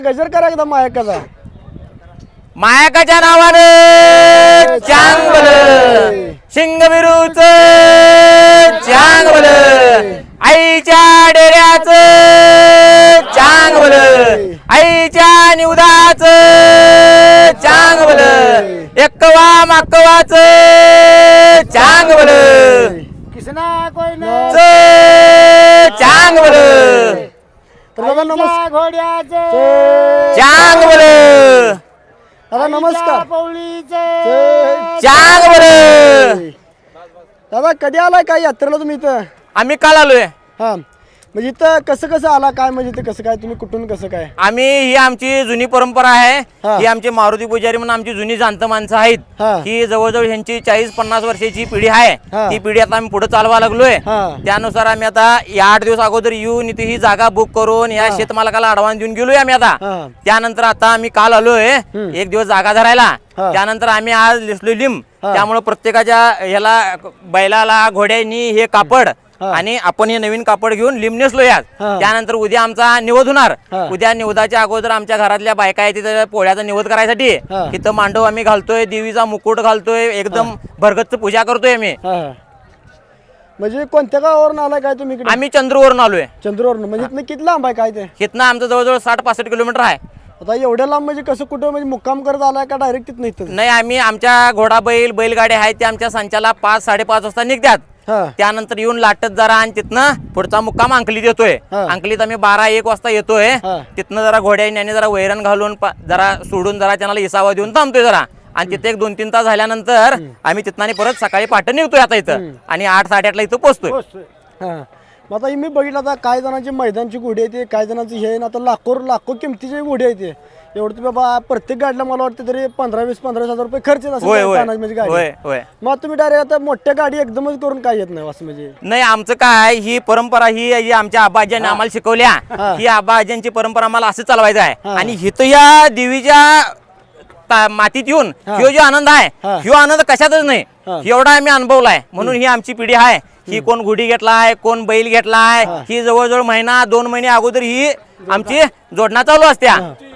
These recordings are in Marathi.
गजर करा एकदम मायकाचा मायकाच्या नावानं चांगल शिंगविरूच चांगल आईच्या डेऱ्याचं चांगल आईच्या निवदाच चांगल एकवा माकवाच चांगल किसना कोई चांगल तर दादा नमस्कार घोड्याचे चांगल दादा नमस्कार चांगल दादा कधी आलाय काय यात्रेला तुम्ही इथं आम्ही काल आलोय हा म्हणजे इथं कसं कसं आला काय म्हणजे इथं कसं काय तुम्ही कुठून कसं काय आम्ही ही आमची जुनी परंपरा आहे हा. ही आमची मारुती पुजारी म्हणून आमची जुनी जाणत माणसं आहेत हा. ही जवळजवळ ह्यांची 40-50 वर्षाची पिढी आहे हा. ती पिढी आता आम्ही पुढे चालवा लागलोय हा. त्यानुसार आम्ही आता या 8 दिवस अगोदर येऊन इथे ही जागा बुक करून या शेतमालकाला अडवान्स देऊन गेलोय आम्ही आता हा. त्यानंतर आता आम्ही काल आलोय एक दिवस जागा धरायला हा. त्यानंतर आम्ही आज लिसलो लिंब त्यामुळे प्रत्येकाच्या ह्याला बैलाला घोड्यांनी हे कापड आणि आपण हे नवीन कापड घेऊन लिंब नेसलो यात त्यानंतर उद्या आमचा निवद होणार उद्या निवदाच्या अगोदर आमच्या घरातल्या बायका आहेत तिथे पोळ्याचा निवद करायसाठी इथं मांडव आम्ही घालतोय देवीचा मुकुट घालतोय एकदम भरगच्च पूजा करतोय आम्ही म्हणजे कोणत्या गावावरून आलाय काय तुम्ही इकडे आम्ही चंद्रवरून आलोय चंद्रवरून म्हणजे इथनं किती लांब आहे काय ते इथनं आमचं जवळजवळ 60-65 किलोमीटर आहे आता एवढ्या लांब म्हणजे कसं कुठं म्हणजे मुक्काम करत आलाय का डायरेक्ट तिथं इथं नाही आम्ही आमच्या घोडा बैलगाड्या आहेत त्या आमच्या संचाला 5-5:30 वाजता निघतात त्यानंतर येऊन लाटत जरा आणि तिथनं पुढचा मुक्काम अंकलीत येतोय अंकलीत आम्ही 12-1 वाजता येतोय तिथनं जरा घोड्याने जरा वैरण घालून जरा सोडून जरा त्यांना इसावा देऊन थांबतोय जरा आणि तिथे 1-2-3 तास झाल्यानंतर आम्ही तिथनं परत सकाळी पहाटे निघतोय आता इथं आणि 8-8:30 इथं पोहोचतोय मग आता मी बघितलं आता काय जणांची मैदानची घोडी आहे काय जणांची हे आता लाखो किमतीची घोडी आहे ते एवढं तुम्ही बाबा प्रत्येक गाडीला मला वाटतं तरी 15,000-15,000 रुपये खर्च येत असेल गाडी मग तुम्ही डायरेक्ट आता मोठ्या गाडी एकदमच करून काय येत नाही असं म्हणजे नाही आमचं काय ही परंपरा ही आमच्या आबाजीने आम्हाला शिकवल्या ही आबाजींची परंपरा आम्हाला असं चालवायचं आहे आणि हिथं या देवीच्या मातीत येऊन ह्यो जो आनंद आहे ह्यो आनंद कशातच नाही एवढा आम्ही अनुभवलाय म्हणून ही आमची पिढी आहे ही कोण घोडी घेतलाय कोण बैल घेतलाय ही जवळजवळ 1-2 महिने अगोदर ही आमची जोडणा चालू असत्या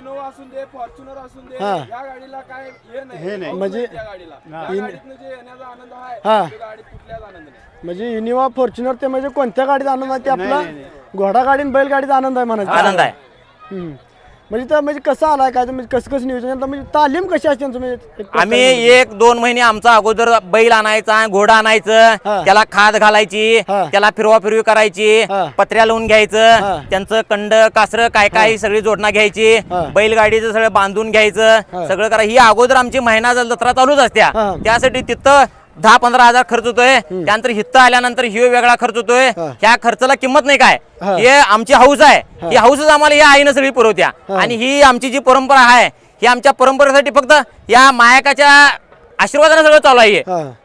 म्हणजे इनोवा फॉर्च्युनर ते म्हणजे कोणत्या गाडीचा आनंद आहे ते आपला घोडा गाडी बैल गाडीचा आनंद आहे म्हणायचा आनंद आहे म्हणजे तर म्हणजे कसं आलाय काय कसं कसं नियोजन म्हणजे तालीम कशी असते म्हणजे आम्ही 1-2 महिने आमचा अगोदर बैल आणायचा घोडा आणायचं त्याला खाद घालायची त्याला फिरवी करायची पत्र्या लावून घ्यायचं त्यांचं कंड कासर काय सगळी जोडणा घ्यायची बैलगाडीचं सगळं बांधून घ्यायचं सगळं करा ही अगोदर आमची महिना जत्रा चालूच असत्या त्यासाठी तिथं 10-15 हजार खर्च होतोय त्यानंतर हित्त आल्यानंतर ही वेगळा खर्च होतोय ह्या खर्चाला किंमत नाही काय हे आमची हौस आहे ही हौसच आम्हाला या आईनं सगळी पुरवत्या आणि ही आमची जी परंपरा आहे ही आमच्या परंपरेसाठी फक्त या मायकाच्या आशीर्वादाने सगळं चालू आहे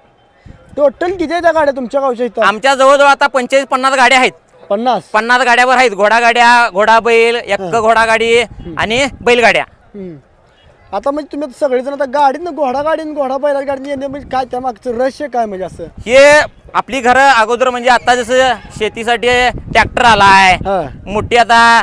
टोटल किती आहेत त्या गाड्या तुमच्या गावच्या इथं आमच्या जवळजवळ आता 45-50 गाड्या आहेत 50 गाड्यावर आहेत घोडा बैल एक घोडा गाडी आणि बैलगाड्या आता म्हणजे तुम्ही सगळेजण आता गाडीनं घोडा बैल गाडीने येणे म्हणजे काय त्या मागचं रहस्य काय म्हणजे असं हे आपली घरं अगोदर म्हणजे आता जसं शेतीसाठी ट्रॅक्टर आलाय मोठी आता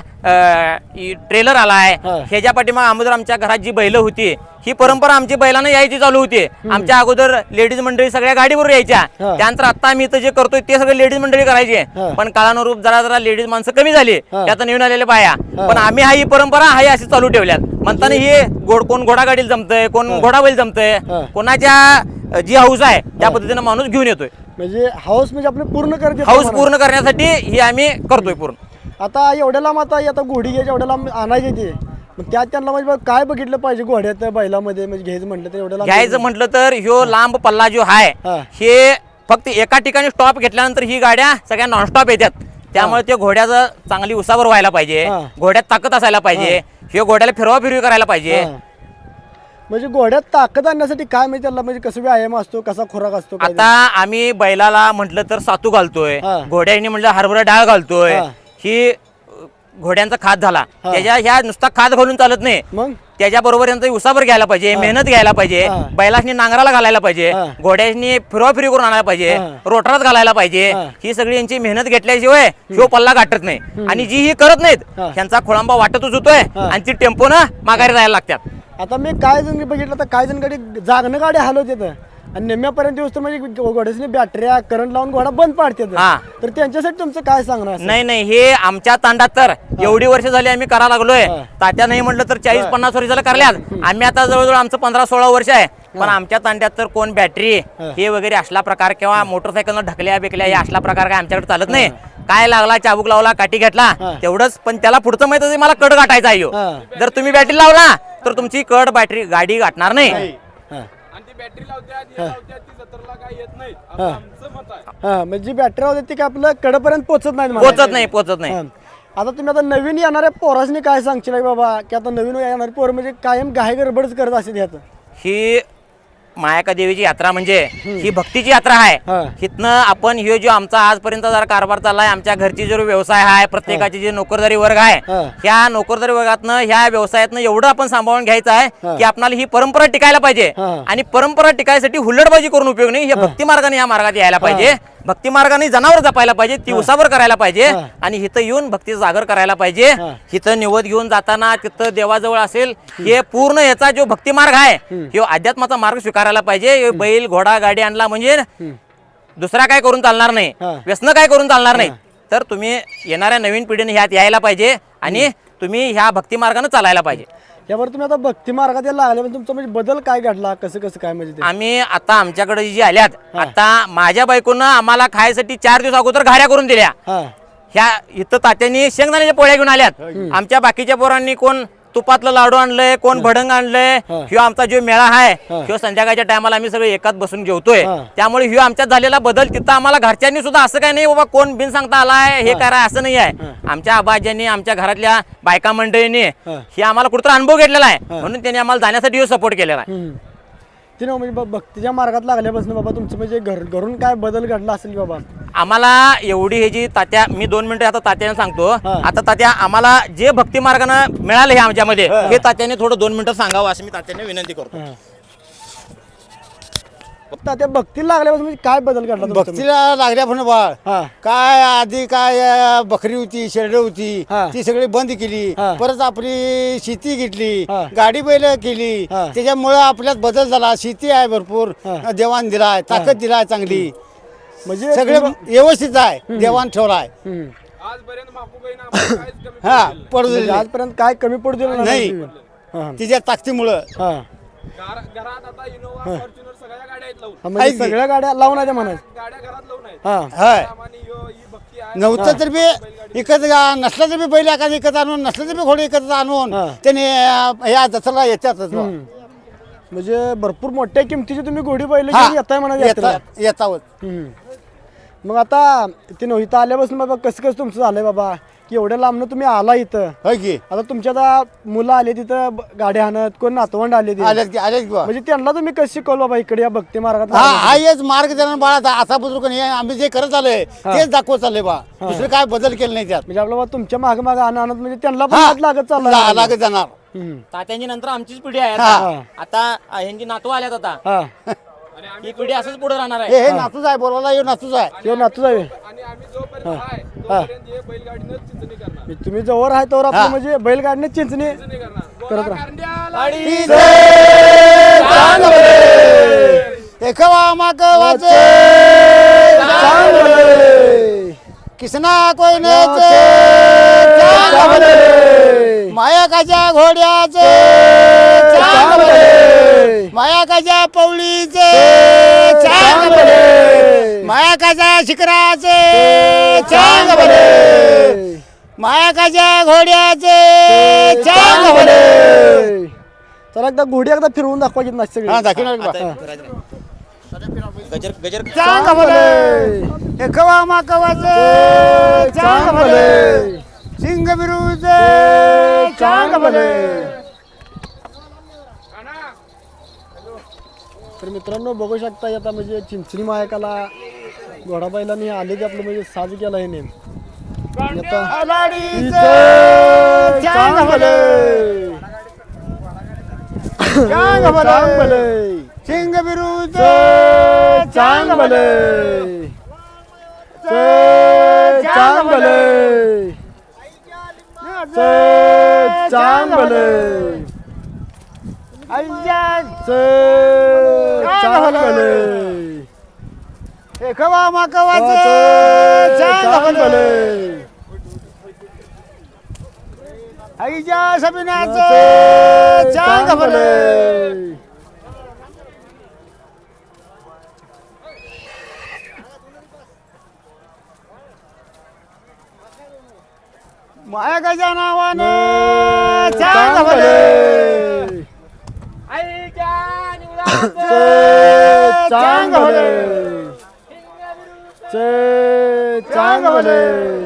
ट्रेलर आलाय ह्याच्या पाठीमाग अगोदर आमच्या घरात जी बैल होती ही परंपरा आमची बैलांना यायची चालू होती आमच्या अगोदर लेडीज मंडळी सगळ्या गाडीवर यायच्या त्यानंतर आता आम्ही इथं जे करतोय ते सगळे लेडीज मंडळी करायचे पण काळानुरूप जरा लेडीज माणसं कमी झाली त्यात नवीन आलेले बाया पण आम्ही ही परंपरा हाही अशी चालू ठेवल्यात म्हणताना हे कोण घोडा गाडीला जमतंय कोण घोडा बैल जमतंय कोणाच्या जी हाऊस आहे त्या पद्धतीने माणूस घेऊन येतोय म्हणजे हाऊस म्हणजे आपलं हाऊस पूर्ण करण्यासाठी ही आम्ही करतोय पूर्ण आता एवढ्या लांब आता घोडी घ्यायची एवढ्या लांब आणायची ते मग त्यांना म्हणजे काय बघितलं पाहिजे घोड्यात बैलामध्ये म्हणजे घ्यायचं म्हटलं तर एवढं घ्यायचं म्हटलं तर ह्यो लांब पल्ला जो आहे हे फक्त एका ठिकाणी स्टॉप घेतल्यानंतर ही गाड्या सगळ्या नॉनस्टॉप येतात त्यामुळे ते घोड्याचं चांगली उसावर व्हायला पाहिजे घोड्यात ताकद असायला पाहिजे हे घोड्याला फिरवी करायला पाहिजे म्हणजे घोड्यात ताकद आणण्यासाठी काय म्हणजे त्याला म्हणजे कसं व्यायाम असतो कसा खुराक असतो आता आम्ही बैलाला म्हटलं तर सातू घालतोय घोड्याने म्हटलं हरभरा डाळ घालतोय ही घोड्यांचा खाद झाला त्याच्या ह्या नुसता खाद घालून चालत नाही मग त्याच्याबरोबर यांचा उसाभर घ्यायला पाहिजे मेहनत घ्यायला पाहिजे बैलासनी नांगराला घालायला पाहिजे घोड्यासनी फिरवाफिरी करून आणायला पाहिजे रोटरात घालायला पाहिजे ही सगळी यांची मेहनत घेतल्याशिवाय शिव पल्ला गाठत नाही आणि जी ही करत नाहीत त्यांचा खोळंबा वाटतच होतोय आणि ती टेम्पोनं माघारी जायला लागतात. आता मी काय जण बघितलं तर काय जण गाडी जागणं गाडी हलवते आणि निम्म्यापर्यंत दिवस तर म्हणजे घोड्याची बॅटऱ्या करंट लावून घोडा बंद पाडते तर त्यांच्यासाठी तुमचं काय सांगणार? नाही हे आमच्या तांडात तर एवढी वर्ष झाली आम्ही करा लागलोय तात्या नाही म्हटलं तर 40-50 वर्ष झालं करल्यात आम्ही आता जवळजवळ आमचं 15-16 वर्ष आहे पण आमच्या तांड्यात तर कोण बॅटरी हे वगैरे असला प्रकार किंवा मोटरसायकल ढकल्या बिकल्या हे असला प्रकार काय आमच्याकडे चालत नाही. काय लागला चाबूक लावला काठी घेतला तेवढंच पण त्याला पुढचं माहित आहे मला कड गाठायचा आहे जर तुम्ही बॅटरी लावला तर तुमची कड बॅटरी गाडी गाठणार नाही. म्हणजे बॅटरी होते ती काय आपलं कडपर्यंत पोहोचत नाही. आता तुम्ही आता नवीन येणाऱ्या पोरासनी काय सांगशील बाबा की आता नवीन येणारे पोर म्हणजे कायम घाई गडबडच करत असेल यात? ही मायाका देवीची यात्रा म्हणजे ही भक्तीची यात्रा आहे. हिथनं आपण हे जो आमचा आजपर्यंत जरा कारभार चाललाय आमच्या घरची जो व्यवसाय आहे प्रत्येकाची जे नोकरदारी वर्ग आहे ह्या नोकरदारी वर्गातनं ह्या व्यवसायातनं एवढं आपण सांभाळून घ्यायचं आहे की आपल्याला ही परंपरा टिकायला पाहिजे आणि परंपरा टिकायसाठी हुल्लडबाजी करून उपयोग नाही. हे भक्ती मार्गाने या मार्गात यायला पाहिजे भक्ती मार्गाने जनावर जपायला पाहिजे ती उसावर करायला पाहिजे आणि इथं येऊन भक्ती जागर करायला पाहिजे. इथं निवद घेऊन जाताना तिथं देवाजवळ असेल हे पूर्ण याचा जो भक्ती मार्ग आहे हे अध्यात्माचा मार्ग स्वीकारायला पाहिजे. बैल घोडा गाडी आणला म्हणजे दुसरा काय करून चालणार नाही व्यसन काय करून चालणार नाही. तर तुम्ही येणाऱ्या नवीन पिढीने ह्यात यायला पाहिजे आणि तुम्ही ह्या भक्ती मार्गाने चालायला पाहिजे. यावर तुम्ही आता भक्ती मार्गात यायला लागले पण तुमचा म्हणजे बदल काय घडला कसं काय म्हणजे आम्ही आता आमच्याकडे जी आल्यात आता माझ्या बायकोनं आम्हाला खायसाठी 4 दिवस अगोदर घाऱ्या करून दिल्या. ह्या इथं तात्यांनी शेंगदाण्याच्या पोळ्या घेऊन आल्यात आमच्या बाकीच्या पोरांनी कोण तुपातलं लाडू आणलंय कोण भडंग आणलंय. ह्यो आमचा जो मेळा आहे ह्यो संध्याकाळच्या टायमाला आम्ही सगळे एकाच बसून जेवतोय त्यामुळे ह्यो आमच्यात झालेला बदल तिथं आम्हाला घरच्यांनी सुद्धा असं काय नाही बाबा कोण बिन सांगता आलाय हे करा असं नाही आहे. आमच्या आबाज्यांनी आमच्या घरातल्या बायका मंडळींनी हे आम्हाला कुठं अनुभव घेतलेला आहे म्हणून त्यांनी आम्हाला जाण्यासाठी सपोर्ट केलेला आहे. ते ना म्हणजे भक्तीच्या मार्गात लागल्यापासून बाबा तुमचं म्हणजे घरून काय बदल घडला असेल बाबा? आम्हाला एवढी हे जी तात्या मी 2 मिनिटं आता तात्याने सांगतो. आता तात्या आम्हाला जे भक्ती मार्गाने मिळाले हे आमच्यामध्ये हे तात्याने थोडं 2 मिनिटं सांगावं असं मी तात्याने विनंती करतो. त्या भक्तीला लागल्यापासून म्हणजे काय बदल घडला? भक्तीला लागल्यापासून बाळ काय आधी काय बकरी होती शेरड होती ती सगळी बंद केली परत आपली शेती घेतली गाडी बैल केली त्याच्यामुळे आपल्यात बदल झाला. शेती आहे भरपूर देवान दिलाय ताकद दिलाय चांगली म्हणजे सगळे व्यवस्थित आहे देवान ठेवलाय. हा पडू दिले आजपर्यंत काय कमी पडू दिलं नाही तिच्या ताकदीमुळं. सगळ्या गाड्या लावून आहे म्हणायचं नव्हतं तर बी इकत नसलं तर बी बैल एखादं इकत आणून नसलं तर बी घोडे इकत आणून त्याने या दसरा येतातच. म्हणजे भरपूर मोठ्या किमतीची तुम्ही घोडी बैल येताय म्हणा येतावत. मग आता ते इथं आल्यापासून बाबा कसं तुमचं झालंय बाबा की एवढ्या लांबनं तुम्ही आला इथं आता तुमच्या आता मुलं आले तिथं गाड्या आणत कोण नातवंड आले म्हणजे त्यांना तुम्ही कसं शिकवलं बाबा इकडे या भक्ती मार्गात? हा हेच मार्ग देणार बाळा असा बुजुर्ग आम्ही जे करत आलोय तेच दाखवत चाललंय बा दुसरे काय बदल केले नाही त्यात. म्हणजे आपलं तुमच्या मागे मागे आणत म्हणजे त्यांना पण लागत चालला लागत जाणार. तात्यांची नंतर आमचीच पिढी आहे आता ह्यांची नातू आल्यात आता ही पिढी असंच पुढे राहणार आहे. हे नातूच आहे बोलवायला हे नातूच आहे नातूच आहे. तुम्ही जवळ आहे तर आपलं म्हणजे बैलगाडीने चिंचणी करत राहा. किसना कोई माया काच्या घोड्याचे माया काच्या पवळीचे माया काच्या शिखराचे माया काच्या घोड्याचे चला एकदा घोडी एकदा फिरवून दाखवायची ना सगळी. गजर गजर एकवा माकवाचे सिंग बिरूचे तर मित्रांनो बघू शकता आता म्हणजे चिंचणी मायकाला घोडा बैलांनी आले की आपलं म्हणजे साज केला हे नेम लाडीचं चांग भले चांग भले सिंग बिरूच चांग भले चांग भले चांग भले चांग भले कवा माकवाच चांग भले आईच्या सबिनाचं चांग भले माया गजा नावानं चांग भले चांग भले चांग भले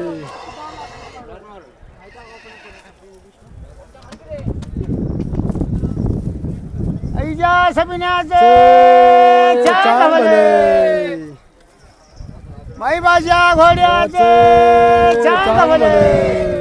आईच्या सबिनाचं चांग भले माई बाजा घोड्याचं चांग भले